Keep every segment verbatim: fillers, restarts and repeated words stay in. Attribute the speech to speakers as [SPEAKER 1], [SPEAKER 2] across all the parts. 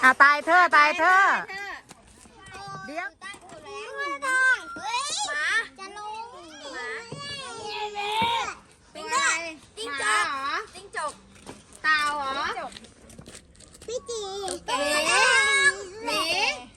[SPEAKER 1] อ่ะตายเธอตายเธอเดี๋ยว
[SPEAKER 2] หมาจะลงหมาเป็นไงจิ้งจกเหรอจิ้งจกเต่าเหรอพี่จีเก๋หมี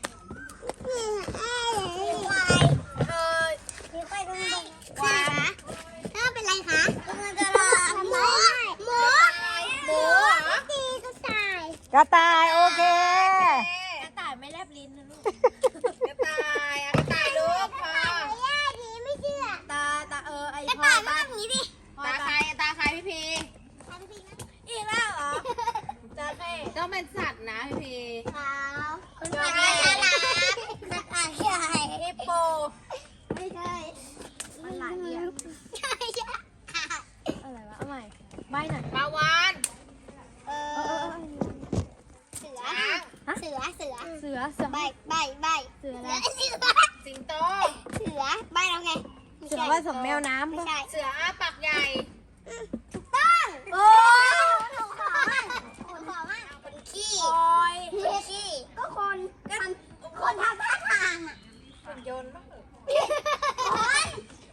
[SPEAKER 2] ควายเออมีควายตรงนี้ควายถ้าเป็นไรคะมันจะรอหมูหมูหมูเหรอพี่จีก็ตาย
[SPEAKER 1] กระต่ายโอเค
[SPEAKER 2] กระต่ายไม่แลบลิ้นนะลูกกระต่ายกระต่ายลูกพอไม่เชื่อตาตาเออไอพอตาผีดิตาใครตาใครพี่พีอีกแล้วเหรอตาใครก็เป็นสัตว์นะพี่พีครับเป็นสัตว์อะไรนะสัตว์อะไรฮิปโปไม่ใช่มันหลายอย่างใช่ใช่อะไรวะเอาใหม่ใบหน่อยปลาวานเออเสือเสือเสือเสือเสือใบใบใบเสืออะไรเสือสิงโตเสือใบแล้วไงเสือว่าสมแมวน้ำไม่ใช่เสืออ้าปากใหญ่ถูกต้องโอ้ถูกต้องถูกต้องคนขี้คอยขี้ก็คนคนคนทำท่าทางอ่ะคนโยนบ้างคน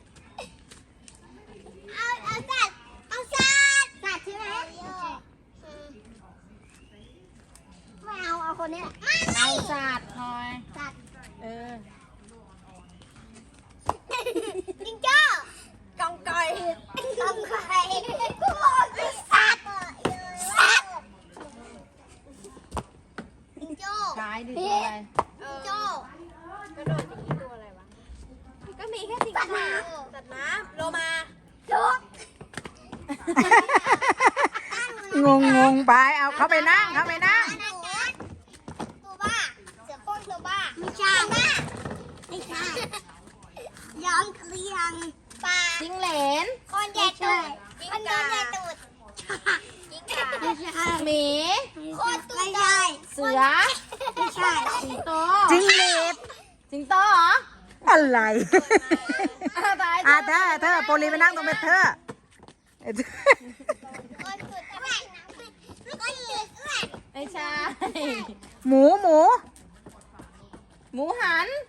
[SPEAKER 2] เอาเอาสัตว์เอาสัตว์สัตว์ใช่ไหมไม่เอาเอาคนนี้เอาสัตว์หน่อยสัตว์เออจิงโจ้กองกอยกองกอยกูบอกสัตว์สัตว์จิงโจ้กายดิตัวอะไรจิงโจ้กระโดดอย่างนี้ตัวอะไรวะก็มีแค่จิงโจ้สัตว์น้ำโลมาโจ๊ก
[SPEAKER 1] งงงงไปเอาเขาไปนั่งเขาไปนั่ง
[SPEAKER 2] ตัวบ้าเสือโคร่งตัวบ้าไม่ใช่ไม่ใช่ย้อมเคลียงปลาจิ้งเหลนคนใหญ่ตูดคนโดนใหญ่ตูดจิ้งก่าไม่ใช่หมีคนตัวใหญ่เสือไม่ใช่สิงโต
[SPEAKER 1] จิงหรีด
[SPEAKER 2] สิงโตเหรอ
[SPEAKER 1] อะไรอ่ะเธอเธอโปลีไปนั่งตรงเป็นเธอ
[SPEAKER 2] ไม่ใช่
[SPEAKER 1] หมูหมู
[SPEAKER 2] หมูหัน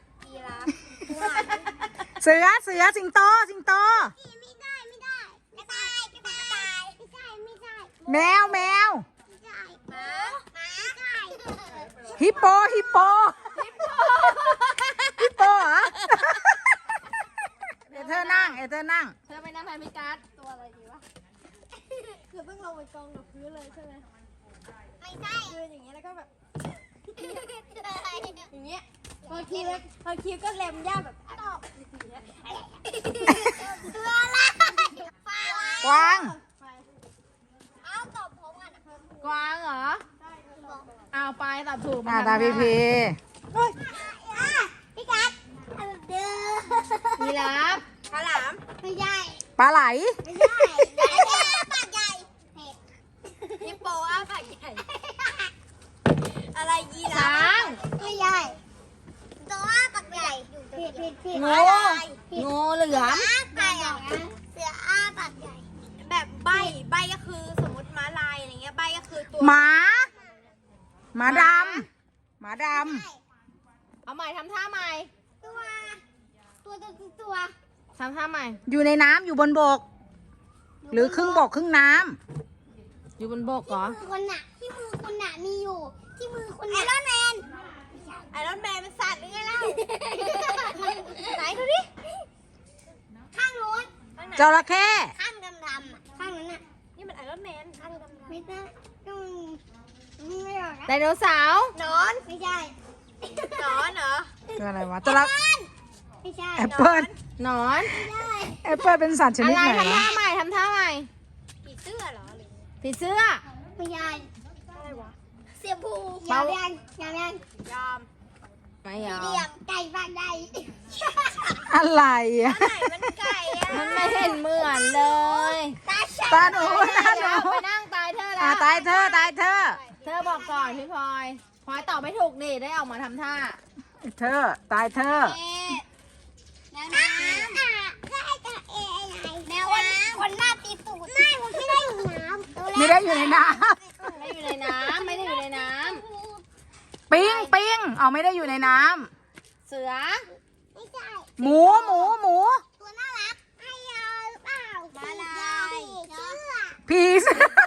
[SPEAKER 1] เสือเสือสิงโตสิงโต
[SPEAKER 2] ไม่ได้ไม่ได้กระต่ายกระต่ายไม่ใช่ไม่ใช่
[SPEAKER 1] แมวแมว
[SPEAKER 2] ไม่ใช่หมาหมาใช่
[SPEAKER 1] ฮิปโปฮิปโปฮิปโปเหรอเอเธอนั่งเอเธอนั่ง
[SPEAKER 2] เธอไปนั่งแทนพี่การ์ดตัวอะไรดีวะคือต้องลงไปกองกับพื้นเลยใช่ไหมไม่ใช่ยืนอย่างเงี้ยแล้วก็แบบอย่างเงี้ยพอคิวพอคิวก็เล็มย่าแบบตอบอย่างเงี้ยตัวอะไร
[SPEAKER 1] กวาง
[SPEAKER 2] เอาตอบผมอ่ะ
[SPEAKER 3] กวางเหรอเอาไปตอบถูก
[SPEAKER 1] อ่าตาพี่พี
[SPEAKER 2] พี่กัดเด้อ
[SPEAKER 3] ยีราฟ
[SPEAKER 2] ฉลามไม่ใช่
[SPEAKER 1] ปลาไหล
[SPEAKER 2] ไม่ใช่อ้าปากใหญ่ฮิปโปอ้าปากใหญ่อะไรยีราฟ
[SPEAKER 3] ช้าง
[SPEAKER 2] ไม่ใช่ตัวอ้าปากใหญ่ผิดผิดผิด
[SPEAKER 3] งูงูเหลือม
[SPEAKER 2] อ้าปากใหญ่เสืออ้าปากใหญ่แบบใบใบก็คือสมมติม้าลายอะไรเงี้ยใบก็คือตัว
[SPEAKER 1] หมาหมาดำหมาด
[SPEAKER 3] ำเอาใหม่ทำท่าใหม่
[SPEAKER 2] ตัวตัวตัวตัว
[SPEAKER 3] ทำท่าใหม่
[SPEAKER 1] อยู่ในน้ำอยู่บนบกหรือครึ่งบกครึ่งน้
[SPEAKER 3] ำอยู่บนบกเหรอ
[SPEAKER 2] ที่มือคนน่ะที่มือคนน่ะมีอยู่ที่มือคนไอรอนแมนไอรอนแมนเป็นสัตว์หรือไงเล่าไหนดูดิข้างโน้น
[SPEAKER 1] ำจระเข้
[SPEAKER 2] ข้างดำดำข้างนั้นน่ะนี่มันไอรอนแมนข้างดำดำไม่ได้ก็ไม่ออกนะ
[SPEAKER 3] ไดโนเสาร์
[SPEAKER 2] นอนไม่ใช่นอนเหรอ
[SPEAKER 1] คืออะไรวะจระเข้
[SPEAKER 2] ไม่ใช่
[SPEAKER 1] แอปเปิ้ล
[SPEAKER 3] หนอน
[SPEAKER 1] แอปเปิ้ลเป็นสัตว์ชนิดไหน
[SPEAKER 3] อะไรทำท่าใหม่ทำท่าใหม่
[SPEAKER 2] ผีเสื้อเหรอหรือ
[SPEAKER 3] ผีเสื้อ
[SPEAKER 2] ไม่ใช่อะไรวะเสียบูยอมยังยอมยังยอม
[SPEAKER 3] ไม่ยอม
[SPEAKER 2] เดียมไก่บ้านใด
[SPEAKER 1] อะไรอ่ะ
[SPEAKER 2] มันไก่อ่ะ
[SPEAKER 3] มันไม่เห็นเหมือนเลย
[SPEAKER 1] ตาหนูตาหนู
[SPEAKER 3] ไปนั่งตายเธอแล้ว
[SPEAKER 1] ตายเธอตายเธอ
[SPEAKER 3] เธอบอกก่อนพี่พลอยพลอยตอบไม่ถูกนี่ได้ออกมาทำท่า
[SPEAKER 1] เธอตายเธอ
[SPEAKER 2] แมวน้ำได้จะเอไงแมวน้ำคนหน้าตีตูดไม่ผมไม่ได้อยู่น้ำ
[SPEAKER 1] ไม่ได้อยู่ในน้
[SPEAKER 3] ำไม่อยู่ในน้ำไม่ได้อยู่ในน้ำ
[SPEAKER 1] ปิงปิงเอาไม่ได้อยู่ในน้
[SPEAKER 2] เสือ
[SPEAKER 1] ำหมูหมูหมู
[SPEAKER 2] ตัวน่ารักให้ยาหรือเปล่ามาลาย
[SPEAKER 1] ผีเสื้อ